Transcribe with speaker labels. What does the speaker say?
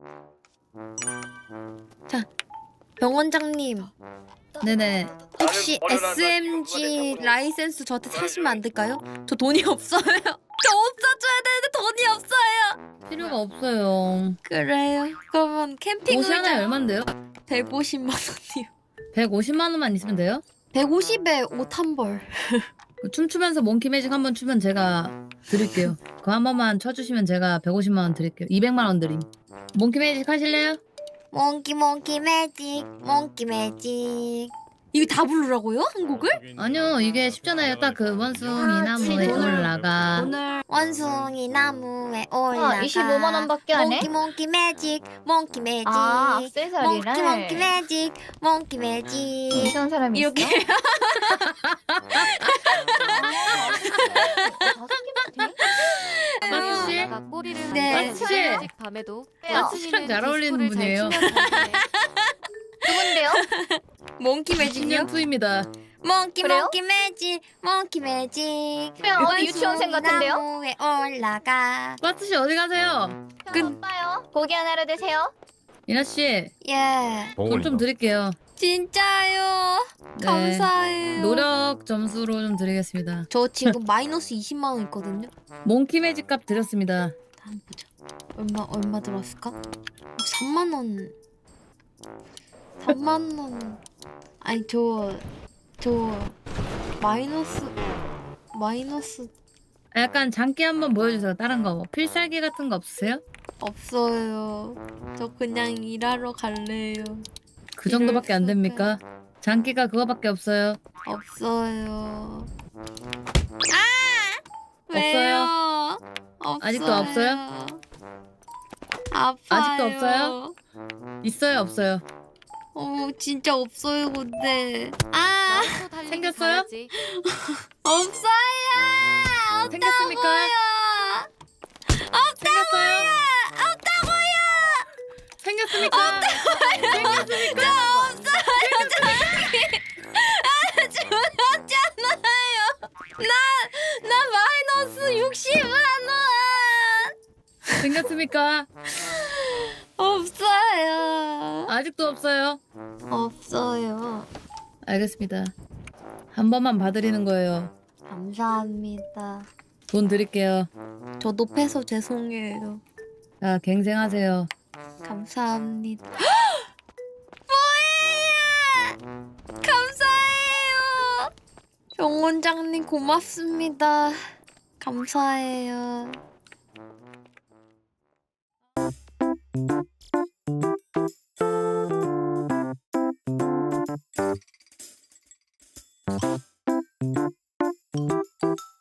Speaker 1: 자, 병원장님
Speaker 2: 네네.
Speaker 1: 혹시 SMG 라이센스 저한테 사시면 안 될까요? 저 돈이 없어요. 저 옷 사줘야 되는데 돈이 없어요.
Speaker 2: 필요가 없어요.
Speaker 1: 그래요. 그러면 캠핑
Speaker 2: 옷이 하나에
Speaker 1: 의자
Speaker 2: 얼만데요?
Speaker 1: 150만 원이요.
Speaker 2: 150만 원만 있으면 돼요?
Speaker 1: 150에 옷 한 벌.
Speaker 2: 그 춤추면서 몽키 매직 한번 추면 제가 드릴게요. 그거 한 번만 쳐주시면 제가 150만 원 드릴게요. 200만 원 드림. 몽키 매직 하실래요?
Speaker 1: 몽키 매직 몽키 매직. 이거 다 부르라고요? 한 곡을?
Speaker 2: 아니요, 이게 쉽잖아요. 딱 그 원숭이 나무에 올라가.
Speaker 1: 오늘 원숭이 나무에 올라가.
Speaker 3: 25만 원밖에 안 해?
Speaker 1: 몽키 매직 몽키 매직.
Speaker 3: 아, 액세서리를.
Speaker 1: 몽키 매직 몽키 매직.
Speaker 3: 이상한 사람이 있어?
Speaker 1: 이렇게
Speaker 2: 마스 씨?
Speaker 4: 내가 꼬리를
Speaker 1: 네.
Speaker 4: 만져서
Speaker 2: 마치.
Speaker 4: 아직 밤에도
Speaker 3: 마치
Speaker 2: 씨랑 잘 어울리는 분이에요.
Speaker 3: 누군데요?
Speaker 1: 몽키 매직이요?
Speaker 2: 10년 투입니다.
Speaker 1: 몽키
Speaker 3: 그래요?
Speaker 1: 매직 몽키 매직.
Speaker 3: 그냥 어디 유치원생 같은데요?
Speaker 1: 나무에 올라가.
Speaker 2: 마스 씨 어디 가세요?
Speaker 3: 오빠요. 고기 하나로 드세요.
Speaker 2: 이나 씨,
Speaker 1: 예.
Speaker 2: 돈 좀 드릴게요.
Speaker 1: 진짜요?
Speaker 2: 네.
Speaker 1: 감사해요.
Speaker 2: 노력 점수로 좀 드리겠습니다.
Speaker 1: 저 지금 마이너스 20만 원 있거든요.
Speaker 2: 몽키 매직 값 드렸습니다.
Speaker 1: 한번 보자. 얼마 들었을까? 3만 원. 3만 원. 아니 저 마이너스
Speaker 2: 약간 장기 한번 보여주세요. 다른 거 뭐 필살기 같은 거 없으세요?
Speaker 1: 없어요. 저 그냥 일하러 갈래요.
Speaker 2: 그 정도밖에 안 됩니까? 장기가 그거밖에 없어요.
Speaker 1: 없어요.
Speaker 2: 없어요?
Speaker 1: 왜요?
Speaker 2: 아직도 없어요?
Speaker 1: 아파요.
Speaker 2: 아직도 없어요? 있어요, 없어요?
Speaker 1: 진짜 없어요, 근데.
Speaker 2: 생겼어요?
Speaker 1: 없어요!
Speaker 2: 생겼습니까? 생겼어요? 생겼습니까? 생겼습니까?
Speaker 1: 죽었잖아요! 나 마이너스 60만 원!
Speaker 2: 생겼습니까?
Speaker 1: 없어요.
Speaker 2: 아직도 없어요?
Speaker 1: 없어요.
Speaker 2: 알겠습니다. 한 번만 봐드리는 거예요.
Speaker 1: 감사합니다.
Speaker 2: 돈 드릴게요.
Speaker 1: 저 높여서 죄송해요.
Speaker 2: 자, 갱생하세요.
Speaker 1: 감사합니다. 뭐예요? 감사해요. 병원장님 고맙습니다. 감사해요.